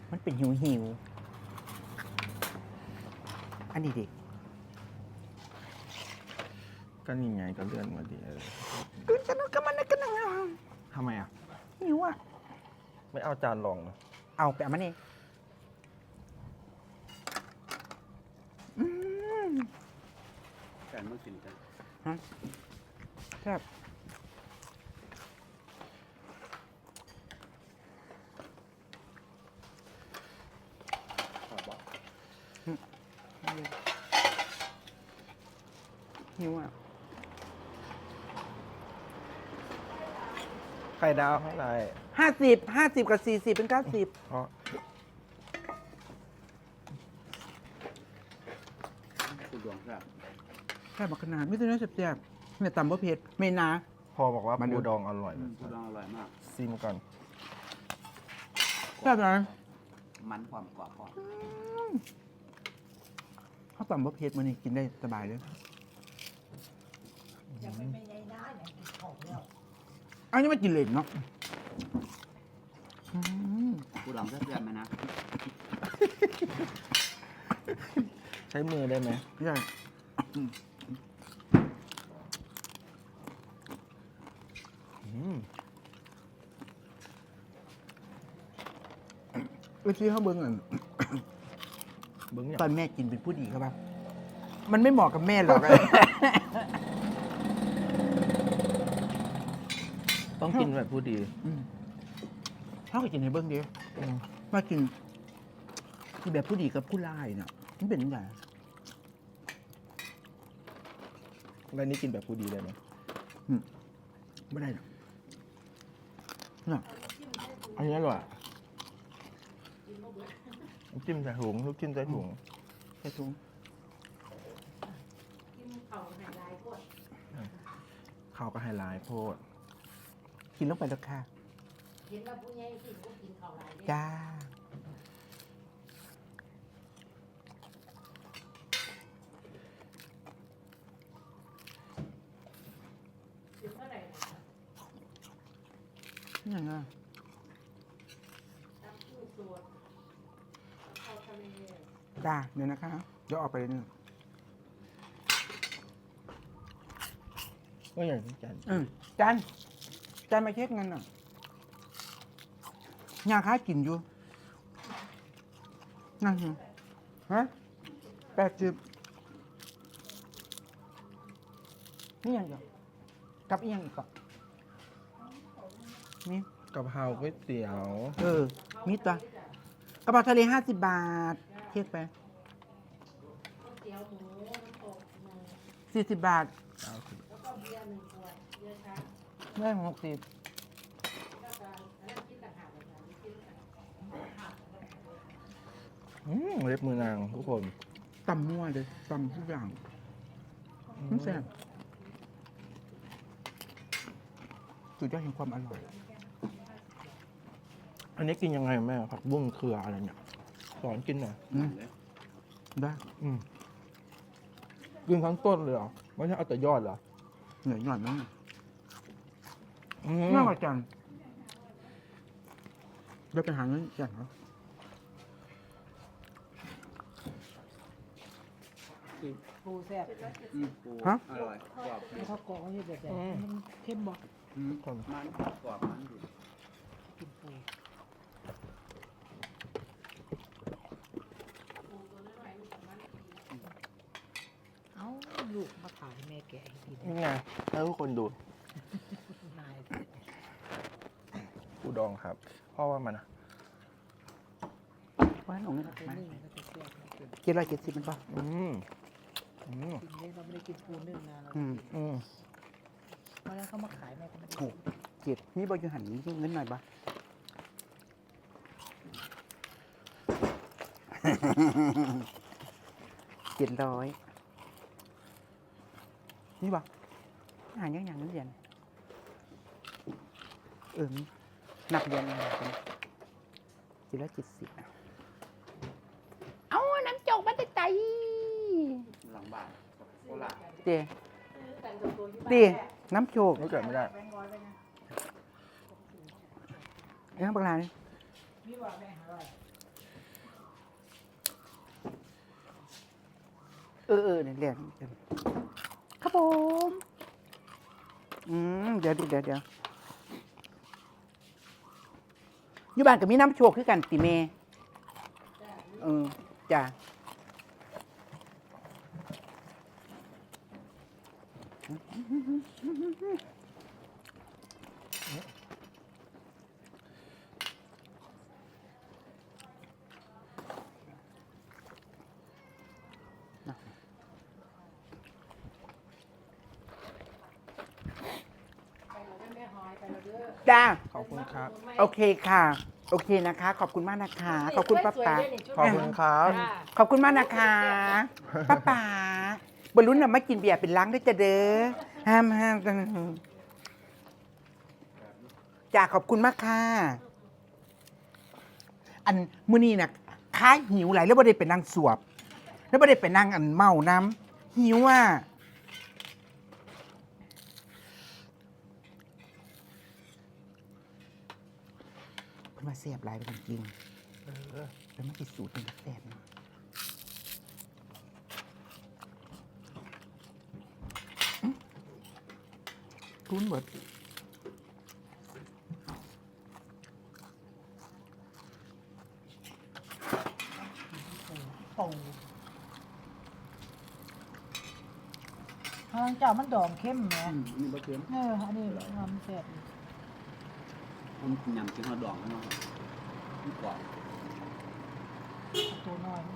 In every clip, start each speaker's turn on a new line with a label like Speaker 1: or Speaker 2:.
Speaker 1: มันเป็นหิวอันนี้ดิ
Speaker 2: ก็นี่ไงก็เลื่อนมาดิ
Speaker 1: ก็มันก็นั่ง
Speaker 2: ทำไมอ่ะ
Speaker 1: หิวอ่ะ
Speaker 2: ไม่เอาจานรองเหรอ
Speaker 1: เอาไปเอามานี่ม
Speaker 3: การเมื่อกินกัน
Speaker 1: ฮะครับ
Speaker 3: ขอบบอก
Speaker 1: หิวอ่ะ
Speaker 2: ไข่ดาวเท่าไหร่
Speaker 1: 50กับ40เป็น90
Speaker 2: เพราะ
Speaker 3: คุณดวงครับ
Speaker 1: แค่บักขนาดไม่ต้องเนื้อแซ่บๆเนี่ยตำบะเผ็ดไม่นา
Speaker 2: พอบอกว่า
Speaker 1: มัน
Speaker 2: ปูดองอร่อย
Speaker 3: คุณดวงอร่อยมาก
Speaker 2: ซิมก่อน
Speaker 1: แซ่บนะ
Speaker 3: มันความกรอบพอ
Speaker 1: ข้าวตำบะเผ็ดมันนี่กินได้สบายเลย
Speaker 4: ยังไม่เป็นไงนะอย่างกินของแล้ว
Speaker 1: อันนี้ไม่กินเหล็กเนาะ
Speaker 3: คุณดวงเพื่อนๆไหมนะ
Speaker 2: ใช้มือได้ไหม
Speaker 1: ใช่เมื่อกี้เขาเบิ้งอ่ะ
Speaker 2: เบิ้งอย่าง
Speaker 1: ตอนแม่กินเป็นผู้ดีครับป่ะมันไม่เหมาะกับแม่หรอก
Speaker 2: ต้องกินแบบผู้ดี
Speaker 1: เขาก็กินในเบิ้งเดียวมากินคือแบบผู้ดีกับผู้ร้ายเนาะมันเป็นยังไง
Speaker 2: แล้วนี่กินแบบผู้ดีได้ไหม
Speaker 1: ไม่ได้หรอกเนาะ
Speaker 2: อันนี้อร่อยน้ำจิ้มใส่ถุงลูกจิ้มใส่ถุง
Speaker 1: ใส่ถุง
Speaker 4: กินเขาหายลายพวด
Speaker 2: ข้าวก็ไฮไลท์โพด
Speaker 1: กินลงไปแล้วค่ะ
Speaker 4: เห็นว่าผู้ใหญ่กินก็กินเขาหลายเด้
Speaker 1: จ้า
Speaker 4: กินเท่าไหร่นะ
Speaker 1: นี่ยังไง
Speaker 4: น้ำผู้สดข้าวทะเล
Speaker 1: จ้าเดี๋ยวนะคะเดี๋ยวออกไปเลยนี่
Speaker 2: ก็อย่างที่จัน
Speaker 1: จานมาเช็คเงินหน่อยยาค้ากินอยู่นั่งอยู่ฮะ80นี่ยังอยู่กับอีกยังอีกก่อนนี่
Speaker 2: กะเพราก๋วยเตี๋ยว
Speaker 1: มีตัวกระเพราทะเล50 บาทเช็คไป
Speaker 4: ก๋วยเตี๋ยวหมูน้ำตกหมู
Speaker 1: 40 บาท
Speaker 4: แล้วก็เบียร์1 ขวดเบียร์ช้าง
Speaker 1: ได้60
Speaker 4: แล้วก็อันนั้นคิดต่างหากเลยนะนี่คิดต่างหาก
Speaker 2: เล็บมือนางทุกคน
Speaker 1: ตำมั่วเลยตำทุกอย่างมันแซ่บสุดยอดแห่งความอร่อย
Speaker 2: อันนี้กินยังไงแม่ผักบุ้งเครืออะไรเนี่ยสอนกินหน่อย
Speaker 1: ได้
Speaker 2: กินทั้งต้นเลยเหรอไม่ใช่เอาแต่ยอดเหรอ
Speaker 1: เหนื่อยหน่อยมั้ง
Speaker 2: อืม
Speaker 1: น่าประจันเดี๋ยวไปหาเงินจันเหรอ
Speaker 4: ปูแซ่บ
Speaker 3: ปูอร่อยกรอบ
Speaker 4: แล้วเขากรอกให้แบบมันเข้มบ่
Speaker 2: ทุกคน
Speaker 3: มันกรอบมันอยู่
Speaker 4: กินปู เอ้าลูกมาถ่ายให้แม่แกะให้กิน
Speaker 2: นี่ไงให้ทุกคนดู
Speaker 4: นาย
Speaker 2: ปูดองครับพ่อว่ามันอะ
Speaker 1: ว่าหนูเงิน
Speaker 4: ไป
Speaker 1: มา
Speaker 4: นึ่งก็จะแซ่บนะกิน
Speaker 1: 770มันป่ะ
Speaker 2: อืมอืม
Speaker 4: กินได้เราไม่ได้กินปูนึ่งนานแล้ว
Speaker 2: อืม
Speaker 4: เพราะฉะนั้นเขามาขายแม่ก็ไม่ได้
Speaker 1: ถูก7นี่บอยู่หันเงินหน่อยป่ะ 700นี่ป่ะหาอย่างนั้นเรียนนับเรียนอะไรกัน770เอาน้ำจกมาแต่ใจ
Speaker 3: หลังบ้านโคราช
Speaker 1: เจ
Speaker 4: แต่งตัวอยู่บ้าน
Speaker 1: ตีน้ำโชก
Speaker 2: ไม่เกิดไม่ได้
Speaker 4: แบงค์ร้อยไปนะ
Speaker 1: ไอ้ข้างปลานี่
Speaker 4: มีบอกแม่อร่อย
Speaker 1: เนี่ยเรียกครับผมเดี๋ยวอยู่บ้านกับมีน้ำโชคคือกันติเมจ้าจ้า
Speaker 2: ขอบคุณครับ
Speaker 1: โอเคค่ะ โอเคนะคะ ขอบคุณมากนะคะ ขอบคุณป้าป๋า
Speaker 2: ขอบคุณครับ
Speaker 1: ขอบคุณมากนะคะป้าป๋าบรรลุนน่ะมากินเบียร์เป็นล้างด้วยจะเด้อห้ามจ้าขอบคุณมากค่ะ อันมื้อนี้น่ะค้าหิวไหลายแล้วบ่ได้ไปนั่งสวบ แล้วบ่ได้ไปนั่งอันเมาน้ำหิวอ่ะเพิ่นมาเสียบหลายไปจริงๆแล้วมันติดสูตรเป็นกาแฟนะทุนเบิด
Speaker 4: โป่ทางเจ้ามันดองเข้มแหม
Speaker 3: นี่บ่เค็ม
Speaker 4: อันนี้มันแซ่บ
Speaker 3: ผมกินยำกินฮอดดองแล้วเนาะมันกรอบ
Speaker 4: ตัวน้อย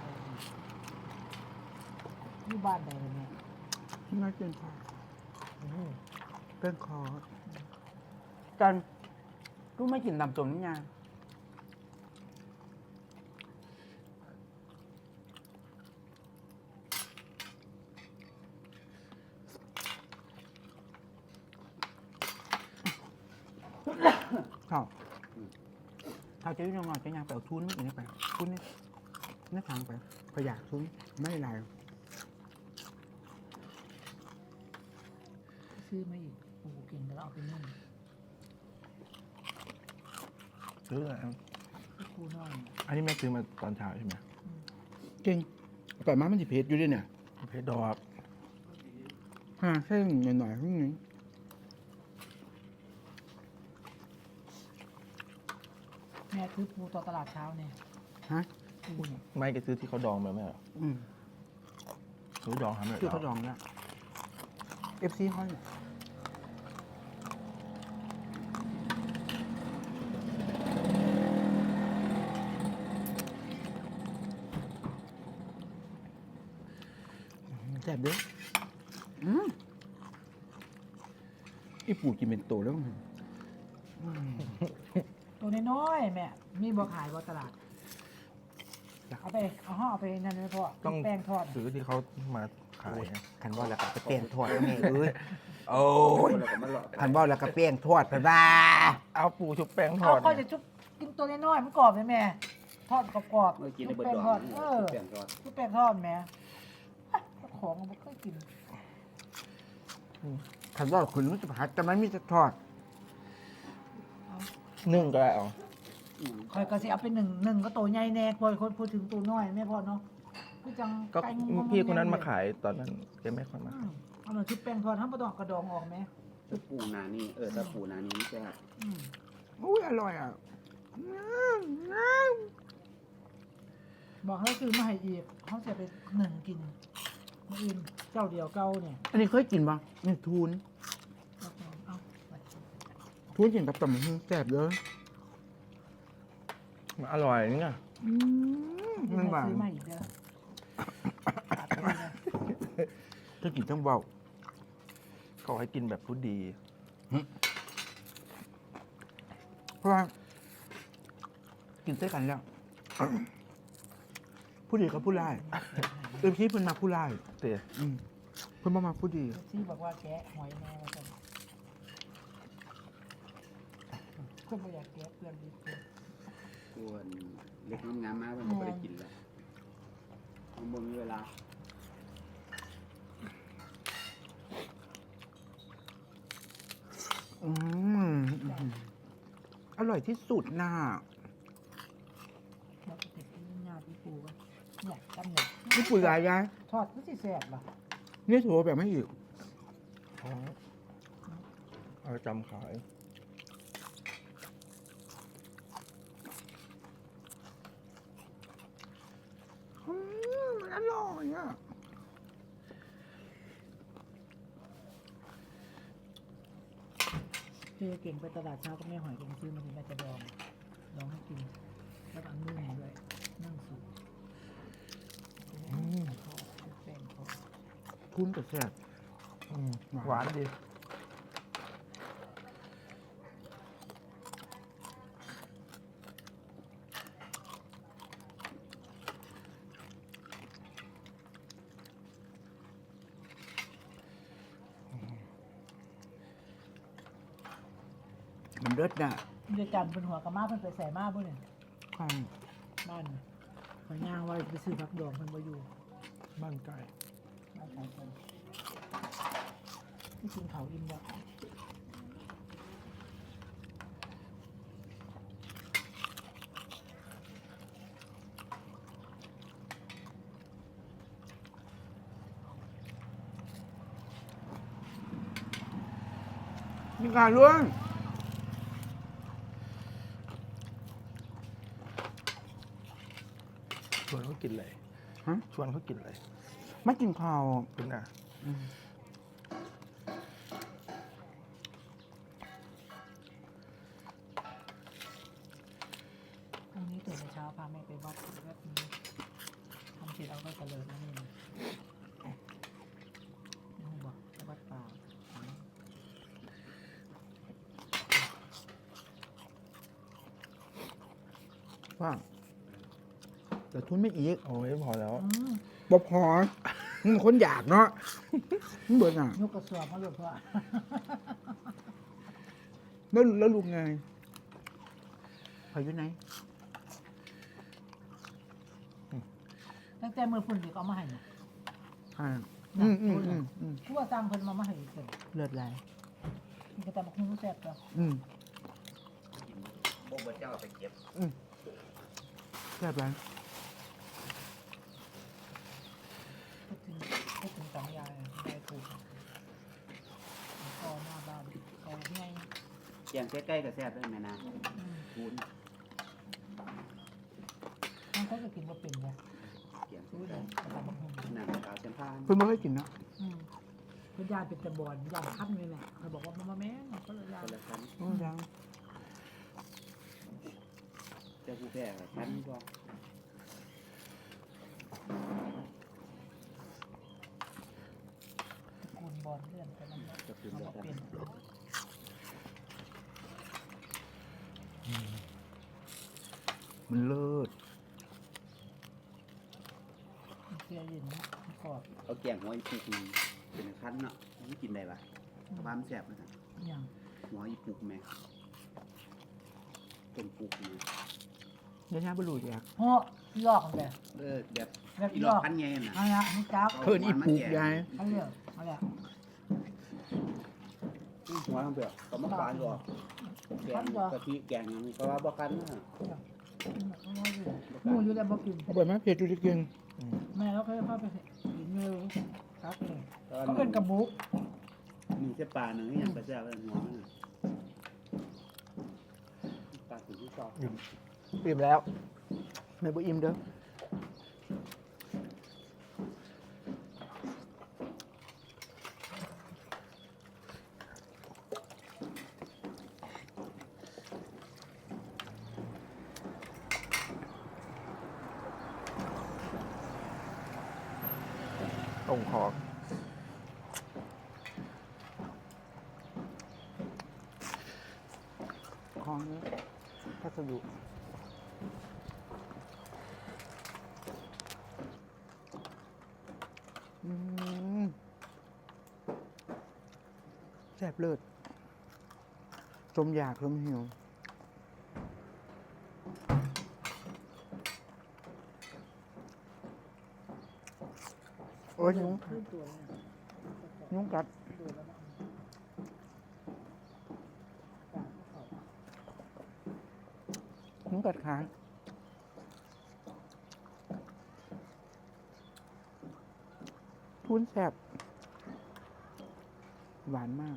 Speaker 4: นี่บ้านใดเลยเนี่ย
Speaker 1: น่ากินค่ะเต้นคอกันลูกไม่กินตำส้มนี่ไงเขาจะยุ่งงอจะยังไปเอาทุนนี่ไปทุนนี่ทางไปพยากทุนไม่ไร
Speaker 4: ซื้อมาอีกโอ้โหเก่งแล้วเอาไปนึ่ง
Speaker 2: ซื้ออะไร
Speaker 4: คูน้อย
Speaker 2: อันนี้แม่ซื้อมาตอนเช้าใช่ไหม
Speaker 1: จริงแต่มามันสิเพชรอยู่ด้วยเนี่ย
Speaker 2: เพชรดอก
Speaker 1: แค่หน่อยๆพวกนี้
Speaker 4: แม่ซื้อปูต่อตลาดเช้าเนี่ย
Speaker 1: ฮะ
Speaker 2: ไม่ก็ซื้อที่เขาดองมาไหมเหรอ ซื้อดองทำเลย
Speaker 1: คือเขาลองแล้วFC ห้อยแซ่บเด้อไอ้ปู่กินเป็นโตแล้ว
Speaker 4: ตัวน้อยๆแม่มีบ่ขายบ่ตลาดเอาไปเอาไปนั่นเลยพ่อ
Speaker 2: ต้อง
Speaker 4: แป้งทอด
Speaker 2: ซื้อที่เขามาขายนะ
Speaker 1: คันว่าแล้วก็ไปเป้งทอดแล้วไงโอ้ย
Speaker 3: แล้วก็มาเลาะ
Speaker 1: คันว่าแล้วก็เป้งทอดไปบ้า
Speaker 2: เอาปูชุบแป้งท
Speaker 4: เอา
Speaker 2: อด
Speaker 4: ค่อยจะชุบกินตัวน้อยๆมันกรอบไหมแม่ทอดกรอบ
Speaker 3: เมื่อกินใน
Speaker 4: ชุบ
Speaker 3: เบิด
Speaker 4: แป้ง
Speaker 3: ดอง
Speaker 4: ทอด
Speaker 3: นี่
Speaker 4: เออ
Speaker 3: แป้งทอด
Speaker 4: ชุบแป้งทอดแม่ของมันเคยกิน
Speaker 1: คันว่าคุณรู้จะผัดแต่มันมีแต่ทอด
Speaker 2: นึ่งก็ได้เอา
Speaker 4: คอยก็สิเอาไปหนึ่งก็ตัวใหญ่แน่พอคนพูดถึงตัวน้อยแม่พอเนาะคือจัง
Speaker 2: ก็
Speaker 4: ไก่
Speaker 2: พี่คนนั้นมาขายตอนนั้นแกไม่ค่อยมา
Speaker 4: เอาหน่อยชุบแป้งทอดทั้งปลาดอกกระดองออกไหม
Speaker 3: ถ้าปูนานี่ถ้าปูนานี่มันจะ
Speaker 4: อืม
Speaker 1: อุ้ยอร่อยอ่ะ
Speaker 4: บอกเขาซื้อมาให้อีกเขาจะไปหนึ่งกินมื้ออื่นเจ้าเดียวเก่าเนี่ย
Speaker 1: อันนี้เคยกินป่ะนี่ทูน
Speaker 4: เอาไป
Speaker 1: ทูนกินกับตำบักหุ่งแซ่บเลย
Speaker 2: มันอร่อยนี่ไง
Speaker 1: มันหวาน
Speaker 4: ซื้อมาอีกเด้อตัดไปเลย
Speaker 1: ถ้ากินต้องเบา
Speaker 2: เขาให้กินแบบผู้ดี
Speaker 1: เพราะว่ากินเส้กันแล้ว ผู้ดีกับผู้ร้ายพี่เพิ่นมาผู้ร้าย
Speaker 2: เตี๋ย
Speaker 1: เพิ่นมาผู้ดี
Speaker 4: ที่บอกว่าแกะหอยแม่มาจังก็ไม่อยากแกะเพื่อนดีเพื่อน
Speaker 3: ส่วนเล็กงามๆมากมันก็ได้กินแล้วมันบ่มีเวลา
Speaker 1: อร่อยที่สุดน่ะ
Speaker 4: เราไปติดที่งานที่ปูวะเนี่ยจำหนึ่ง
Speaker 1: ญี่ปุ่นหลายยาย
Speaker 4: ทอดก็สิแซ่บล่ะ
Speaker 1: นี่ถือว่าแบบไม่อีก
Speaker 2: อ๋อเอาไปจำขาย
Speaker 1: มันอร่อยอ่ะ
Speaker 4: เจ๊เก่งไปตลาดเช้าก็ไม่หอยเก่งซื้อมาถึงแม่จะดองให้กินแล้วก็อันนึ่งด้วยนึ่งสุกเขาแป้งเขา
Speaker 1: ทุนกับแซ่บ
Speaker 2: หวานดี
Speaker 1: มันเลิศน่ะ
Speaker 4: เดี๋ยวจันเป็นหัวกระมาเพิ่นไปใส่มาบ่เนี่ย
Speaker 1: ข้าง
Speaker 4: บ้านขอยย่างว่าไปซื้อผักดองเพิ่นบ่อยู่
Speaker 2: บ้านไก่
Speaker 4: บ้านขายคนที่กินเขาวอิ่มบ่
Speaker 1: มีการล่วง
Speaker 2: ชวนเขากินอะไร
Speaker 1: ฮะ
Speaker 2: ชวนเขากินอะไร
Speaker 1: ไม่กินข้าว
Speaker 2: คุณน่ะ
Speaker 1: อืม
Speaker 4: พรุ่งนี้ตื่นแต่เช้าพาแม่ไปวัดวัดนี้ทำเสร็จเอาก็เจริญนะนี่นะนี่บอกไปวัดป่า
Speaker 1: ว่าแต่ทุนไม่อีก
Speaker 2: โอ้ยพอแล้ว
Speaker 1: บ่พอมึงคนอยากเนาะมึงเบิดอ่ะ
Speaker 4: ยกกระสอบมาหลบว่า
Speaker 1: แล้วลุงไงพายุไหน
Speaker 4: ตั้งแต่มือพุ่นเด็กเอามาให้เนี่ย
Speaker 1: อ่า
Speaker 4: น่ะ ผู้ว่าสร้างเพิ่นมาให้เพิ่น
Speaker 1: เลือดไหล
Speaker 4: มีกระตำบักหุ่งแซ่บจ้ะ
Speaker 3: พวกเจ้าไปเก็บ
Speaker 1: แซ่บไหล
Speaker 4: พูดถึงสองยายยายปลูกก็หน้าบ้านก็ง่าย
Speaker 3: เกียงใกล้ๆกับแซ่บด้วยแม่นาคูณ
Speaker 4: มันก็จะกินบ่เป็นไง
Speaker 3: เกียง
Speaker 4: รู้เลยกระตำบักหุ่ง
Speaker 3: หนังขาวเชมพาน
Speaker 1: เพิ่งไม่เคยกินเนาะ
Speaker 4: เพิ่นยายเป็นตะบอนยายคั้นเลยแหละเขาบอกว่ามาแม่ก็เลยยาย
Speaker 3: คนละชั้น
Speaker 1: ยัง
Speaker 3: เจ้าผู้แพ้กับชั้นก็
Speaker 4: คูณบอลเลื่อนไปนั่นแหละ
Speaker 3: จะคืน
Speaker 4: เขา
Speaker 3: เดีย
Speaker 4: บ
Speaker 3: ว
Speaker 4: อก
Speaker 3: กัน
Speaker 4: เป็น
Speaker 1: มันเลิศ
Speaker 4: เสียยินกรอบ
Speaker 3: เอาแกงหัวอีปุกเป็นชั้นเนาะนี่กินได้ปะความแซ่บนะ
Speaker 4: อย่าง
Speaker 3: หัวอีปุกแม่ต้มปุกนี่
Speaker 1: เดี๋ยวนี้บรูอยาก
Speaker 4: โอ้ลอกเลย
Speaker 3: แบบ
Speaker 4: แบบ
Speaker 3: อี
Speaker 4: ล
Speaker 3: หลอ
Speaker 4: อก ก
Speaker 3: พันไงน่ะ
Speaker 4: อะไรนี่จ้า
Speaker 1: เพิ่นอีปลูกยาย
Speaker 4: เขาเรียกอะไร
Speaker 3: หัวทั้งเปลือกก็มาปานก่อนแกงกะทิแกงเพราะว่าบ่คันนะ
Speaker 4: หมูอยู่แล้วบ่กิน
Speaker 1: เอาไปไหมเผ็ดจุดกิน
Speaker 4: แม่เราเคยเข้าไปกินเนื้อครับเลยเขาเป็นกระบุก
Speaker 3: มีเส้นปลาหนึ่งที่ยังไปแซ่บเลยหัวมันปลาถึงที่สอง
Speaker 2: อิ่มแล้ว
Speaker 1: ไม่บ่อิ่มเด้อ
Speaker 2: ตรงคอ
Speaker 1: ของนี้พัสดุแซ่บเลิศสมอยากสมหิวโอ้ยยุง
Speaker 4: ขึ้นตัวเนี่ย
Speaker 1: ยุงกัด
Speaker 4: ดูแล้วนะ
Speaker 1: ยุงกัดขาวุ้นแซ่บหวานมาก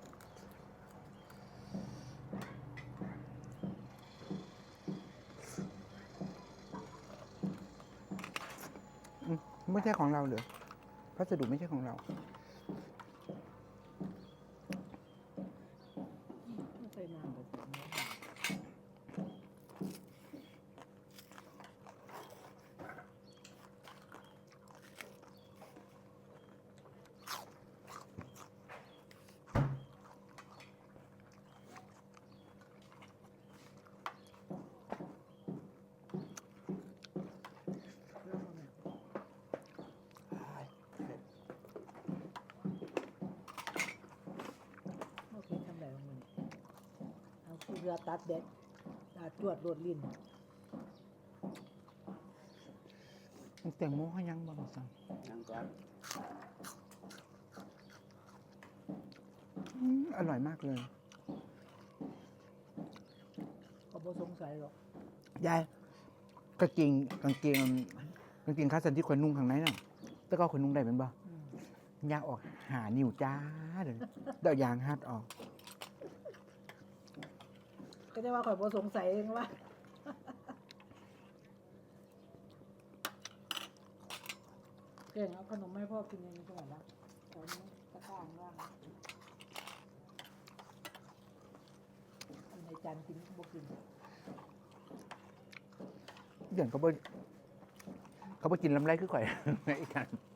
Speaker 1: ไม่ใช่ของเราเหรอพัสดุไม่ใช่ของเรา
Speaker 4: ไม่เคยนานแบบนี้โอเคทำได้ของมันเอาคือเรือตัดเด็ดตัดจวดโรดลิ้น
Speaker 1: แตงโมเขายังบ่สั่ง
Speaker 3: ยังก่อน
Speaker 1: อร่อยมากเลย
Speaker 4: ก็บ่สงสัยหรอก
Speaker 1: ยายกางเกงขาสั้นที่ขนนุ่งข้างในน่ะแต่ก็ขนนุ่งได้เป็นบ่
Speaker 4: อืม
Speaker 1: ยางออกหานิ้วจ้าเลยเดายางฮัดออก
Speaker 4: ก็จะว่าข่อยบ่สงสัยเองว่าเก่งเอาขนมให้พ่อกินเองดีกว่าละตอนนี้ตะกร้างว่างอยู่ในจานกินบ่กิน
Speaker 1: อย่างเขาบ่กินลำไรคือข่อย ไอ้กัน